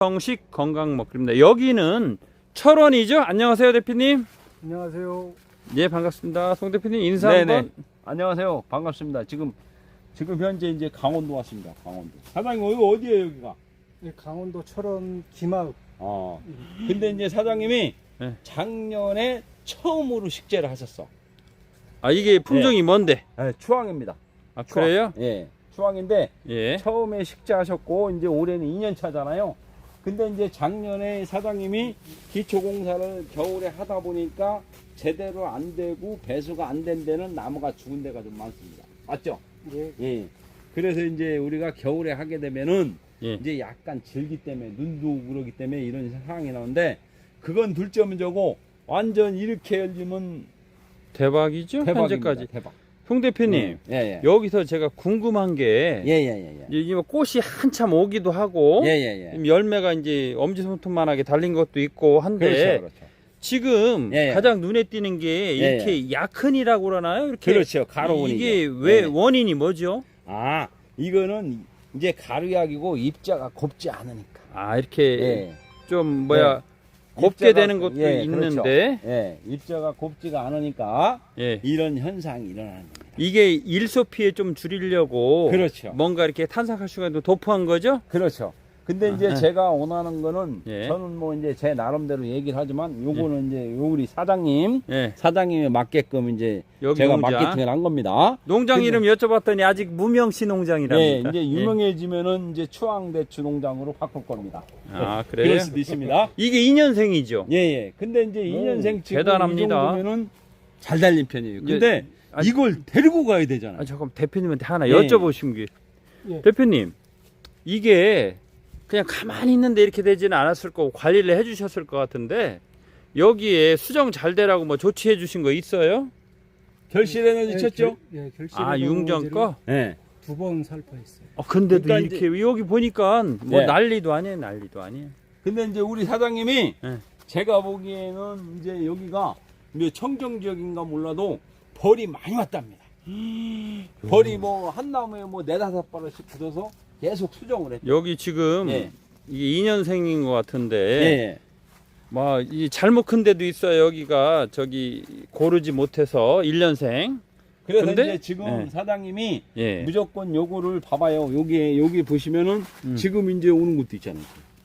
정식 건강 먹기입니다. 여기는 철원이죠? 안녕하세요, 대표님. 안녕하세요. 예, 반갑습니다. 송 대표님 인사 네네. 한번. 안녕하세요. 반갑습니다. 지금 현재 이제 강원도 왔습니다. 강원도. 사장님 여기 어디예요, 여기가? 네, 강원도 철원 기마읍. 근데 이제 사장님이 네. 작년에 처음으로 식재를 하셨어. 아, 이게 품종이 뭔데? 네, 추앙입니다. 아, 추앙. 그래요? 예. 추앙인데 예. 처음에 식재하셨고 이제 올해는 2년 차잖아요. 근데 이제 작년에 사장님이 기초공사를 겨울에 하다 보니까 제대로 안 되고 배수가 안 된 데는 나무가 죽은 데가 좀 많습니다. 맞죠? 예. 예. 그래서 이제 우리가 겨울에 하게 되면은 예. 이제 약간 질기 때문에 눈도 오고 그러기 때문에 이런 상황이 나오는데 그건 둘째 문제고 완전 이렇게 열리면 대박이죠? 대박입니다. 현재까지. 대박. 송 대표님, 예. 여기서 제가 궁금한 게 예. 이제 뭐 꽃이 한참 오기도 하고 예. 열매가 이제 엄지손톱만하게 달린 것도 있고 한데 그렇죠. 지금 예. 가장 눈에 띄는 게 예. 이렇게 약흔이라고 그러나요? 이렇게 그렇죠. 가로운이죠. 이게 왜 예. 원인이 뭐죠? 아, 이거는 이제 가루약이고 입자가 곱지 않으니까. 아, 이렇게 예. 좀 뭐야 곱게 되는 것도 있는데 그렇죠. 예, 입자가 곱지가 않으니까 예. 이런 현상이 일어나는 겁니다. 이게 일소 피해 좀 줄이려고 그렇죠. 뭔가 이렇게 탄산칼슘도 도포한 거죠? 그렇죠. 근데 이제 아, 제가 원하는 거는 예. 저는 뭐 이제 제 나름대로 얘기를 하지만 요거는 이제 요 우리 사장님이 예. 맞게끔 이제 여기 제가 농장. 마케팅을 한 겁니다. 농장 근데- 이름 여쭤봤더니 아직 무명시 예, 농장이랍니다. 이제 유명해지면은 이제 추앙대추 농장으로 바꿀 겁니다. 아, 그래요? 그럴 수도 있습니다. 이게 2년생이죠? 예. 근데 이제 2년생 치고 대단합니다. 이 정도면은 잘 달린 편이에요. 근데 아니- 이걸 데리고 가야 되잖아요. 아, 잠깐 대표님한테 하나 예. 여쭤보신 게 예. 대표님 이게 그냥 가만히 있는데 이렇게 되지는 않았을 거고 관리를 해주셨을 것 같은데 여기에 수정 잘 되라고 뭐 조치해 주신 거 있어요? 결실에는 쳤죠? 결실. 아, 융전 거? 예. 두번 살포했어요. 근데도 그러니까 이렇게 여기 보니까 뭐 예. 난리도 아니에요. 근데 이제 우리 사장님이 예. 제가 보기에는 이제 여기가 이제 청정 지역인가 몰라도 벌이 많이 왔답니다. 벌이 뭐 한 나무에 뭐 4-5발씩 붙어서 계속 수정을 했죠. 여기 지금 예. 이게 2년생인 것 같은데 예. 뭐 이 잘못 큰 데도 있어요. 여기가 저기 고르지 못해서 1년생. 그래서 근데? 이제 지금 예. 사장님이 예. 무조건 요거를 봐봐요. 여기 보시면은 지금 이제 오는 것도 있잖아요.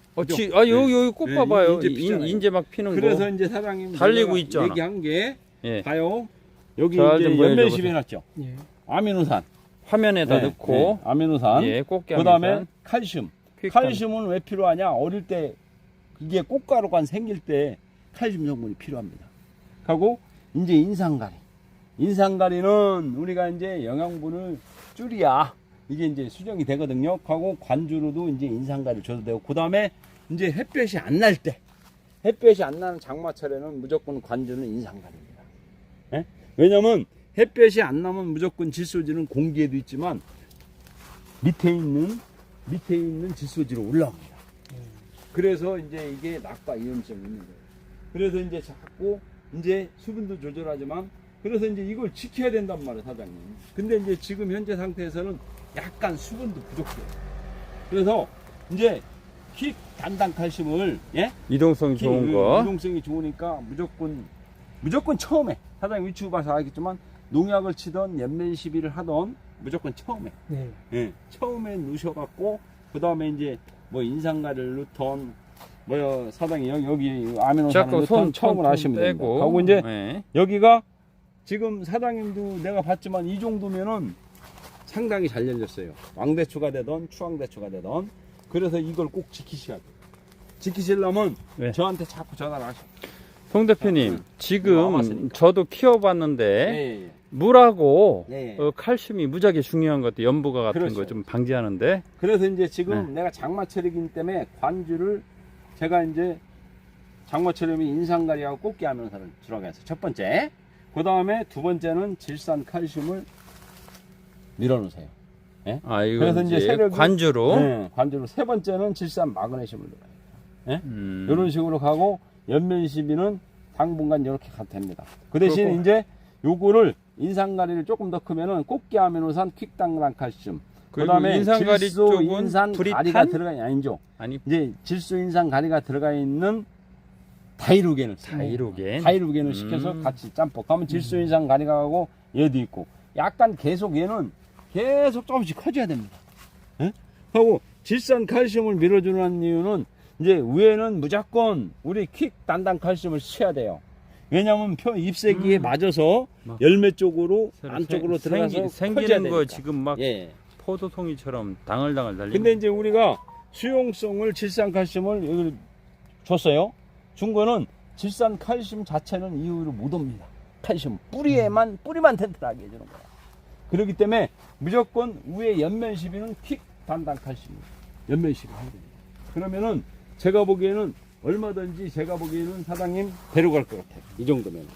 여기 꽃 예, 봐봐요. 이제 피잖아요. 인제 막 피는 그래서 거. 이제 사장님 달리고 내가 있잖아. 얘기한 게 예. 봐요. 여기 잘 이제 좀 보여줘 연면식 보세요. 해놨죠. 예. 아미노산. 화면에다 넣고 아미노산. 예, 꽃게 그 다음에 아미노산. 칼슘. 퀵한. 칼슘은 왜 필요하냐? 어릴 때 이게 꽃가루가 생길 때 칼슘 성분이 필요합니다. 하고 이제 인상가리. 인상가리는 우리가 이제 영양분을 줄여야 이게 이제 수정이 되거든요. 하고 관주로도 이제 인상가리를 줘도 되고 그 다음에 이제 햇볕이 안 날 때 햇볕이 안 나는 장마철에는 무조건 관주는 인상가리입니다. 예? 왜냐면 햇볕이 안 나면 무조건 질소지는 공기에도 있지만 밑에 있는 질소지로 올라옵니다. 그래서 이제 이게 낙과 이염성이 있는 거예요. 그래서 이제 자꾸 이제 수분도 조절하지만 그래서 이제 이걸 지켜야 된단 말이에요, 사장님. 근데 이제 지금 현재 상태에서는 약간 수분도 부족해요. 그래서 이제 킥 단단 칼슘을 예? 이동성이 좋은 거. 이동성이 좋으니까 무조건 처음에 사장님 유튜브 봐서 알겠지만 농약을 치던 연면 시비를 하던 무조건 처음에 네. 예, 처음에 넣으셔갖고 그 다음에 이제 뭐 인상가를 넣던 뭐 사장님 여기 아미노산을 자꾸 넣던 처음으로 하시면 됩니다. 빼고. 하고 이제 예. 여기가 지금 사장님도 내가 봤지만 이 정도면은 상당히 잘 열렸어요. 왕대추가 되던 추왕대추가 되던 그래서 이걸 꼭 지키셔야 돼요. 지키시려면 네. 저한테 자꾸 전화를 하셔. 송 대표님 지금 와봤으니까. 저도 키워봤는데 예. 물하고 예. 칼슘이 무지하게 중요한 것 같아요. 연부가 같은 그렇죠. 거 좀 방지하는데. 그래서 이제 지금 네. 내가 장마철이기 때문에 관주를 제가 이제 장마철이면 인상가리하고 꽃게 아미노산을 들어가서 첫 번째, 그 다음에 두 번째는 질산 칼슘을 밀어놓으세요. 아, 이거 그래서 이제 이제 세력이- 관주로. 네, 관주로 세 번째는 질산 마그네슘을 넣어요. 이런 식으로 가고 연면 시비는 당분간 이렇게 가도 됩니다. 그 대신 그렇고. 이제 요거를 인상가리를 조금 더 크면은 꽃게 아미노산 퀵당란 칼슘 그리고 그다음에 인산가리 질소 쪽은 인산 브리탄? 가리가 들어가 아니죠. 아니 이제 질소 인산 가리가 들어가 있는 다이루겐을 써요. 다이루겐. 시켜서 같이 짬뽕. 그러면 질소 인산 가리가 하고 얘도 있고 약간 계속 얘는 계속 조금씩 커져야 됩니다. 예? 하고 질산 칼슘을 밀어주는 이유는 이제 위에는 무조건 우리 퀵 단단 칼슘을 써야 돼요. 왜냐하면 잎새기에 맞아서 막 열매 쪽으로 새로 안쪽으로 생- 들어가서 커져야 생기는 거 되니까. 지금 막 예. 포도송이처럼 당을당을 달리는. 근데 이제 우리가 수용성을 질산 칼슘을 여기 줬어요. 준 거는 질산 칼슘 자체는 이후로 못 옵니다. 칼슘 뿌리만 튼튼하게 해주는 거야. 그렇기 때문에 무조건 위에 연면 시비는 퀵 단단 칼슘입니다. 연면 시비 해야 됩니다. 그러면은 제가 보기에는 얼마든지 제가 보기에는 사장님 데려갈 것 같아요. 이 정도면.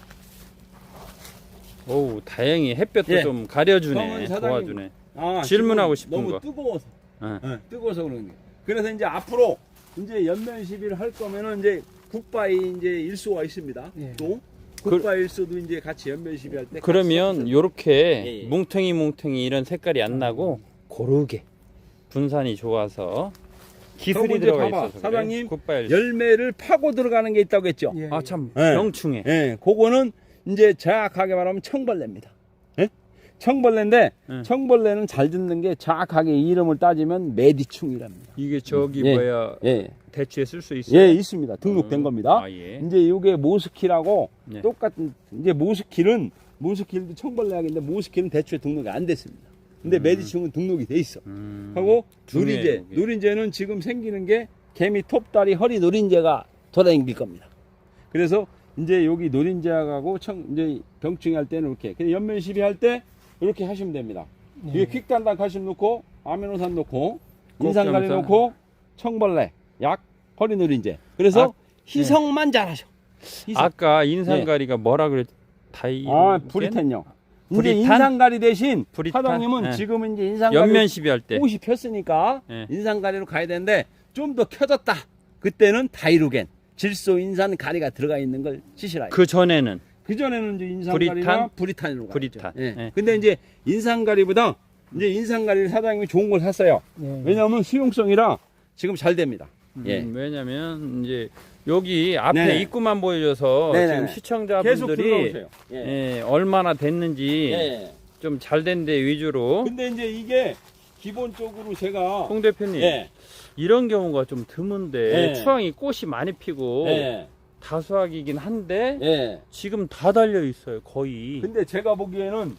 오, 다행히 햇볕도 예. 좀 가려주네. 그러면 사장님- 도와주네. 아, 질문하고 지금 싶은 너무 거. 뜨거워서. 어. 뜨거워서 그런 게. 그래서 이제 앞으로 이제 연면 시비를 할 거면은 이제 굿바이 이제 일소가 있습니다. 예. 또 굿바이 일소도 이제 같이 연면 시비 할 때. 그러면 요렇게 예, 예. 뭉텅이 이런 색깔이 안 나고 고르게 분산이 좋아서 기술이 그럼 이제 들어가 봐봐. 있어서 사장님, 굿바일. 열매를 파고 들어가는 게 있다고 했죠. 예. 아참 예. 병충해. 예, 그거는 이제 정확하게 말하면 청벌레입니다. 예? 청벌레인데 예. 청벌레는 잘 듣는 게 정확하게 이름을 따지면 메디충이랍니다. 이게 저기 예. 뭐야 예, 대추에 쓸 수 있어요? 예, 있습니다. 등록된 겁니다. 아, 예. 이제 이게 모스킬하고 예. 똑같은 이제 모스킬도 청벌레약인데 모스킬은 대추에 등록이 안 됐습니다. 근데 메디충은 등록이 돼 있어. 하고 중요해요, 누린제, 그게. 누린제는 지금 생기는 게 개미 톱다리 허리 누린제가 돌아다닐 겁니다. 그래서 이제 여기 누린제하고 이제 병충해 할 때는 이렇게 그냥 연면 시비할 때 이렇게 하시면 됩니다. 예. 이게 퀵단단 칼슘 넣고 아미노산 넣고 인산가리 꼭정사. 넣고 청벌레 약 허리 누린제. 그래서 아, 희석만 잘하셔. 희석. 아까 인산가리가 뭐라 그랬? 다이. 브리텐요. 이제 브리탄? 인산가리 대신 브리탄? 사장님은 예. 지금 이제 인산가리 연면 시비할 때. 꽃이 폈으니까 예. 인산가리로 가야 되는데 좀 더 켜졌다. 그때는 다이루겐, 질소 인산 가리가 들어가 있는 걸 치시라. 그 전에는 그 전에는 이제 인산가리나 브리탄으로 가죠. 브리탄. 예. 예. 근데 이제 인산가리보다 이제 인산가리를 사장님이 좋은 걸 샀어요. 예. 왜냐하면 수용성이라 지금 잘 됩니다. 예. 왜냐면 이제 여기 앞에 네네. 입구만 보여줘서 네네네. 지금 계속 시청자분들이 들어오세요. 예. 예, 얼마나 됐는지 예. 좀 잘 된 데 위주로. 근데 이제 이게 기본적으로 제가 홍 대표님 예. 이런 경우가 좀 드문데 예. 추앙이 꽃이 많이 피고 예. 다수학이긴 한데 예. 지금 다 달려 있어요 거의. 근데 제가 보기에는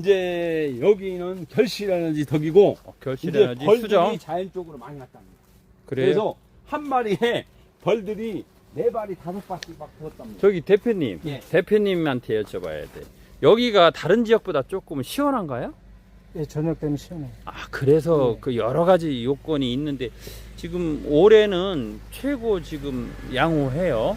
이제 여기는 결실에너지 덕이고 결실 이제 에너지 벌들이 수정. 자연적으로 많이 났답니다. 그래요. 그래서 한 마리에 벌들이 4발이 5발씩 막 부었답니다. 저기 대표님, 예. 대표님한테 여쭤봐야 돼. 여기가 다른 지역보다 조금 시원한가요? 예, 저녁 되면 시원해요. 아 그래서 네. 그 여러 가지 요건이 있는데 지금 올해는 최고 지금 양호해요.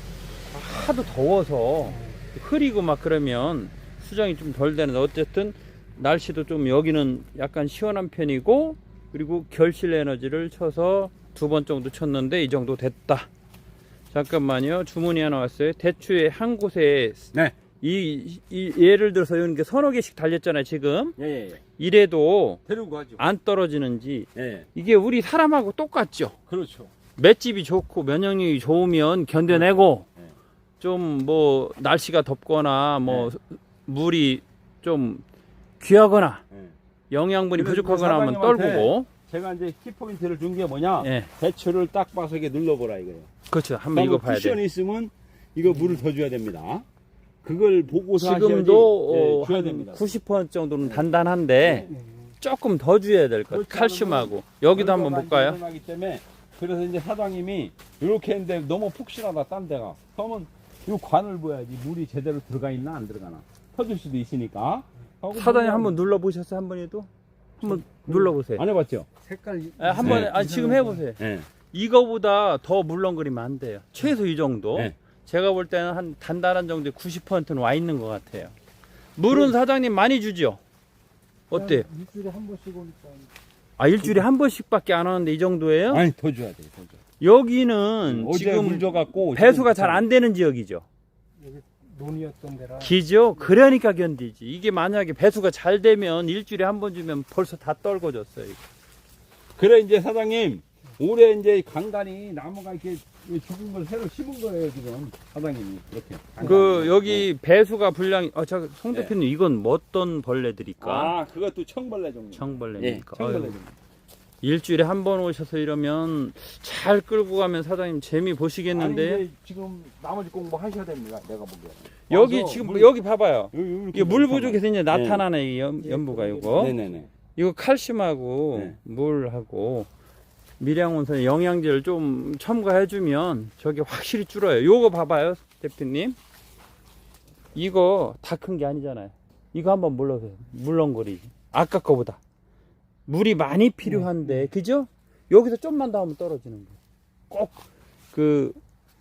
하도 더워서 흐리고 막 그러면 수정이 좀 덜 되는데 어쨌든 날씨도 좀 여기는 약간 시원한 편이고 그리고 결실 에너지를 쳐서 2번 정도 쳤는데 이 정도 됐다. 잠깐만요. 주문이 하나 왔어요. 대추에 한 곳에 네. 이 예를 들어서 이렇게 서너 개씩 달렸잖아요. 지금 예, 예, 예. 이래도 데리고 가죠. 안 떨어지는지 예. 이게 우리 사람하고 똑같죠. 그렇죠. 맷집이 좋고 면역력이 좋으면 견뎌내고 네. 좀 뭐 날씨가 덥거나 뭐 네. 물이 좀 귀하거나 예. 영양분이 그래서 부족하거나 하면 사장님한테 떨구고. 제가 이제 키포인트를 준 게 뭐냐? 예, 대추를 딱 봐서 이게 눌러보라 이거예요. 그렇죠. 한번 이거 봐야 쿠션이 돼. 있으면 이거 물을 더 줘야 됩니다. 그걸 보고서 하셔야지 지금도 예, 줘야 한 됩니다. 90% 정도는 단단한데 예. 조금 더 줘야 될 것. 그렇지 칼슘하고 여기도 한번 결과가 볼까요? 일어나기 때문에 그래서 이제 사장님이 이렇게 했는데 너무 푹신하다 딴 데가 그러면 이 관을 봐야지 물이 제대로 들어가 있나 안 들어가나 터질 수도 있으니까 하고 사단이 물을 한번 눌러 보셨어요? 한 번에도 한번 눌러 보세요. 안 해봤죠? 색깔 한번 네. 지금 해보세요. 네. 이거보다 더 물렁거리면 안 돼요. 최소 이 정도. 네. 제가 볼 때는 한 단단한 정도의 90%는 와 있는 것 같아요. 물은 사장님 많이 주죠? 어때요? 일주일에 한 번씩 오니까 아, 일주일에 한 번씩밖에 안 하는데 이 정도예요? 아니 더 줘야 돼. 더 줘. 여기는 어제 지금 물 줘갖고 배수가 잘 안 되는 지역이죠. 여기 논이었던 데라. 기죠? 그러니까 견디지. 이게 만약에 배수가 잘 되면 일주일에 한 번 주면 벌써 다 떨궈졌어요. 이거. 그래 이제 사장님 올해 이제 간간히 나무가 이렇게 죽은 걸 새로 심은 거예요 지금 사장님이 이렇게. 그 여기 배수가 분량이 저 송 네. 대표님 이건 뭐 어떤 벌레들일까? 아 그것도 청벌레 종류. 청벌레니까. 예, 청벌레 아유, 종류. 일주일에 한 번 오셔서 이러면 잘 끌고 가면 사장님 재미 보시겠는데. 아니, 이제 지금 나머지 공부 하셔야 됩니다. 내가 보기에. 여기 와서 지금 물- 여기 봐봐요. 이렇게 이게 물 넣잖아. 부족해서 이제 나타나네 이 연부가 이거. 네네네. 이거 칼슘하고 네. 물하고 밀양온산에 영양제를 좀 첨가해주면 저게 확실히 줄어요. 요거 봐봐요, 대표님. 이거 다 큰 게 아니잖아요. 이거 한번 물러세요. 물렁거리지. 아까 거보다. 물이 많이 필요한데, 그죠? 여기서 좀만 더 하면 떨어지는 거예요. 꼭 그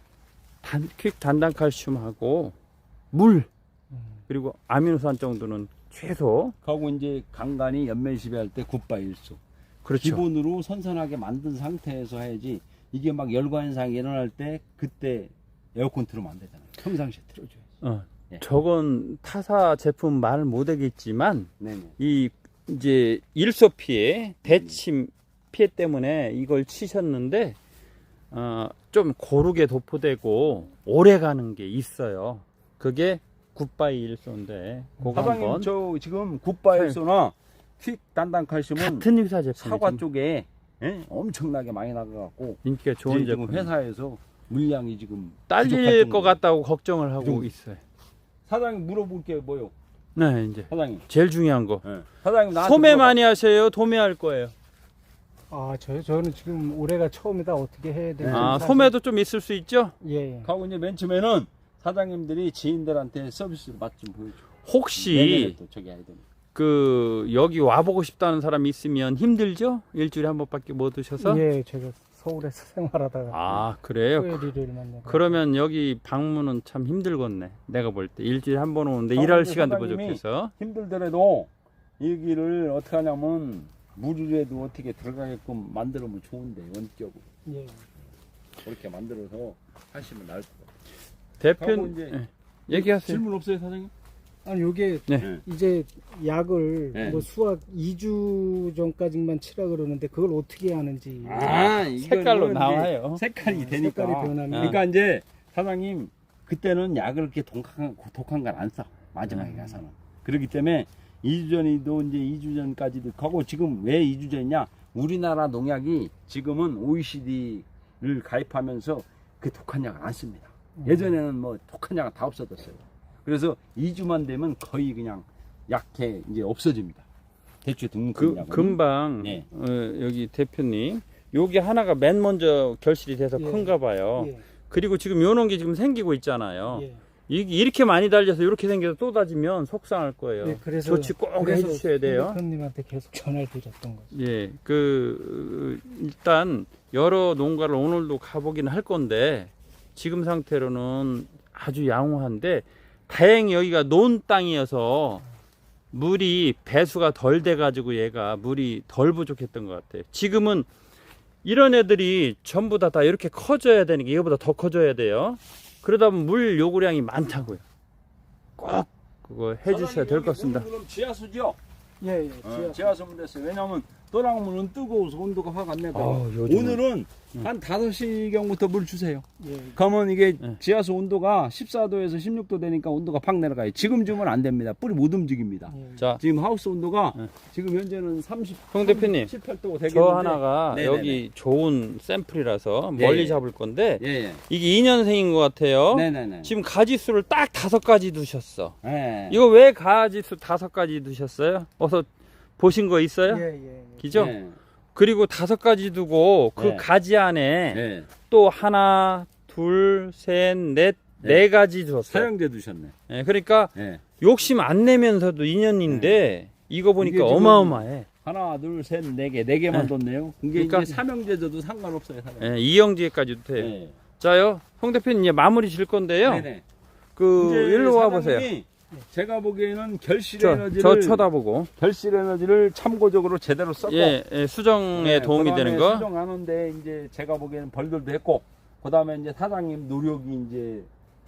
퀵 단단 칼슘하고 물 그리고 아미노산 정도는 최소. 하고 이제 간간히 연면시비 할 때 굿바일수. 그렇죠. 기본으로 선선하게 만든 상태에서 해야지 이게 막 열과 현상이 일어날 때 그때 에어컨 틀으면 안 되잖아요. 평상시에 틀어줘야지. 예. 저건 타사 제품 말 못하겠지만 네네. 이 이제 일소 피해, 대침 피해 때문에 이걸 치셨는데 좀 고르게 도포되고 오래 가는 게 있어요. 그게 굿바이 일소인데 그거 사장님 한번 저 지금 굿바일수나 퀵 단단 칼슘은 같은 회사 제품 사과 쪽에 엄청나게 많이 나가갖고 인기가 좋은 지금 제품. 회사에서 물량이 지금 딸릴 부족할 것 정도로. 같다고 걱정을 하고 좀- 있어요. 사장님 물어볼 게 뭐요? 네, 이제 사장님. 제일 중요한 거. 사장님 나한테 소매 물어봐. 많이 하세요? 도매할 거예요? 아, 저는 지금 올해가 처음이다. 어떻게 해야 되는지. 사실- 소매도 좀 있을 수 있죠? 예, 예. 하고 이제 맨 처음에는 사장님들이 지인들한테 서비스 맛 좀 보여줘. 내년에 혹시 또 저기 해야 되니까. 그 여기 와보고 싶다는 사람이 있으면 힘들죠? 일주일에 한 번밖에 못 오셔서? 예, 제가 서울에서 생활하다가 아 그래요? 토요일을 만나고. 그러면 여기 방문은 참 힘들겠네. 내가 볼 때 일주일에 한 번 오는데 아, 일할 근데 시간도 사장님이 부족해서. 힘들더라도 여기를 어떻게 하냐면 물이라도 어떻게 들어가게끔 만들면 좋은데 원격으로 예. 그렇게 만들어서 하시면 나을 것 같아요. 대표 하고 이제 얘기하세요. 질문 없어요 사장님? 아니, 요게 네. 이제 약을 네. 뭐 수확 2주 전까지만 치라 그러는데 그걸 어떻게 하는지. 색깔로 나와요. 색깔이 아, 되니까. 색깔이 변하면. 그러니까 이제 사장님 그때는 약을 이렇게 독한 걸 안 써. 마지막에 음. 가서는. 그렇기 때문에 2주 전이도 이제 2주 전까지도 가고 지금 왜 2주 전이냐? 우리나라 농약이 지금은 OECD를 가입하면서 그 독한 약을 안 씁니다. 예전에는 뭐 독한 약은 다 없어졌어요. 그래서 2주만 되면 거의 그냥 약해 이제 없어집니다. 대추 등록 약은. 금방 네. 여기 대표님 요게 하나가 맨 먼저 결실이 돼서 예. 큰가 봐요. 예. 그리고 지금 요런 게 지금 생기고 있잖아요. 예. 이렇게 많이 달려서 이렇게 생겨서 또 다지면 속상할 거예요. 예, 그래서 조치 꼭 해주셔야 돼요. 대표님한테 계속 전화를 드렸던 거죠. 예, 일단 여러 농가를 오늘도 가보긴 할 건데 지금 상태로는 아주 양호한데 다행히 여기가 논 땅이어서 물이 배수가 덜 돼가지고 얘가 물이 덜 부족했던 것 같아요. 지금은 이런 애들이 전부 다 이렇게 커져야 되는 게 이거보다 더 커져야 돼요. 그러다 보면 물 요구량이 많다고요. 꼭 그거 해주셔야 될 것 같습니다. 그럼 지하수죠? 예, 예. 지하수면 됐어요. 왜냐하면 또랑물은 뜨거워서 온도가 확 안 내고 요즘은. 오늘은 한 5시경부터 물 주세요. 예. 그러면 이게 네. 지하수 온도가 14도에서 16도 되니까 온도가 팍 내려가요. 지금 주면 안 됩니다. 뿌리 못 움직입니다. 예. 자, 지금 하우스 온도가 네. 지금 현재는 30, 홍 대표님, 18도 되겠는데 저 하나가 네네네. 여기 좋은 샘플이라서 예, 멀리 예. 잡을 건데 예, 이게 2년생인 것 같아요. 네네네. 지금 가지수를 딱 5가지 두셨어. 예. 이거 왜 가지수 5가지 두셨어요? 어서 보신 거 있어요? 예, 예. 기죠? 예. 그리고 5가지 두고 그 네. 가지 안에 예. 또 하나, 둘, 셋, 넷, 네. 4가지 줬어요. 사용제 두셨네. 예, 그러니까 예. 욕심 안 내면서도 2년인데 이거 보니까 이게 지금 어마어마해. 하나, 둘, 셋, 네 개만 네. 뒀네요. 이게 그러니까- 이제 삼형제 줘도 상관없어요. 사장님. 예, 이영지에까지도 돼요. 예. 자요, 홍 대표님 이제 마무리 질 건데요. 네네. 그 이제 일로 와 보세요. 사장님이 제가 보기에는 결실 저 에너지를 쳐다보고. 결실 에너지를 참고적으로 제대로 썼고 예, 수정에 도움이 되는 거. 수정하는데 이제 제가 보기에는 벌들도 했고 그다음에 이제 사장님 노력이 이제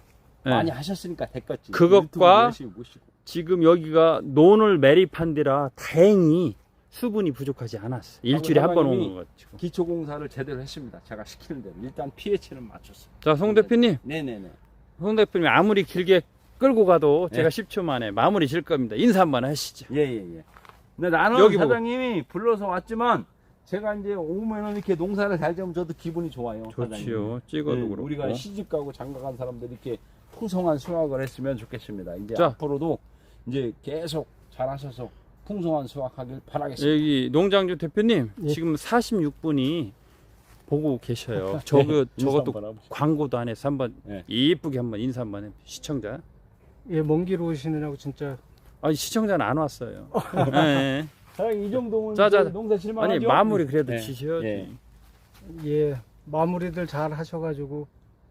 네. 많이 하셨으니까 됐겠지. 그것과 유튜브 열심히 보시고. 지금 여기가 논을 매립한 데라 다행히 수분이 부족하지 않았어. 일주일에 한 번 사장님이 오는 것 지금. 기초공사를 제대로 했습니다. 제가 시키는 대로 일단 pH는 맞췄어요. 자, 송 대표님. 네네네. 송 대표님 아무리 길게 끌고 가도 네. 제가 10초 만에 마무리 질 겁니다. 인사 한번 하시죠. 예예예. 근데 나는 여기 보고. 사장님이 불러서 왔지만 제가 이제 오면은 이렇게 농사를 잘 지으면 저도 기분이 좋아요. 좋지요. 사장님. 찍어도 네, 그렇고. 우리가 시집 가고 장가 간 사람들이 이렇게 풍성한 수확을 했으면 좋겠습니다. 이제 자. 앞으로도 이제 계속 잘하셔서 풍성한 수확하길 바라겠습니다. 여기 농장주 대표님 예. 지금 46분이 보고 계셔요. 인사 저것도 한번 해보시죠. 광고도 안 해서 한번 네. 이쁘게 한번 인사 한번 해. 시청자. 예, 먼 길 오시느라고 진짜 아니 시청자는 안 왔어요. 네. 사장님 이 정도면 자, 자, 이제 농사 실만하죠? 아니 마무리 그래도 네. 지셔야지. 예. 예, 마무리들 잘 하셔가지고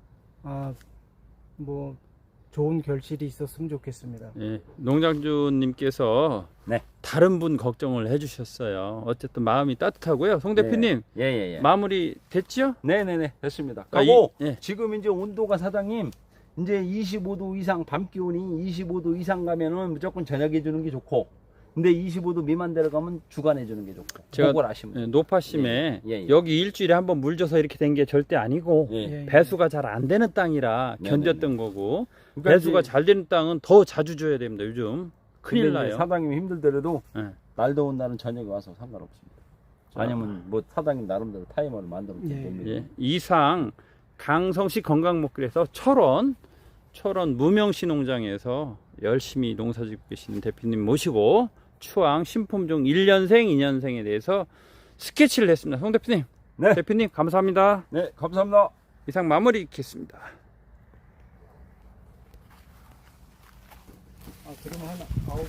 뭐 좋은 결실이 있었으면 좋겠습니다. 예, 농장주님께서 네. 다른 분 걱정을 해주셨어요. 어쨌든 마음이 따뜻하고요. 송 대표님 예예예. 마무리 됐죠? 네네네 됐습니다. 아, 그리고 예. 지금 이제 온도가 사장님 이제 25도 이상 밤 기온이 25도 이상 가면은 무조건 저녁에 주는 게 좋고 근데 25도 미만 내려가면 주간에 주는 게 좋고 제가 그걸 아시면 돼요. 노파심에 예, 예. 여기 일주일에 한번 물 줘서 이렇게 된 게 절대 아니고 예. 예, 배수가 잘 안 되는 땅이라 네네네. 견뎠던 거고 그러니까 배수가 이제 잘 되는 땅은 더 자주 줘야 됩니다. 요즘 큰일 근데 이제 나요. 사장님이 힘들더라도 예. 날 더운 날은 저녁에 와서 상관없습니다. 아니면 뭐 사장님 나름대로 타이머를 만들어 예. 됩니다. 예. 이상 강성시 건강목길에서 철원 무명시 농장에서 열심히 농사짓고 계시는 대표님 모시고 추앙 신품종 1년생, 2년생에 대해서 스케치를 했습니다. 송 대표님, 네. 대표님 감사합니다. 네, 감사합니다. 이상 마무리 짓겠습니다. 그러면 하나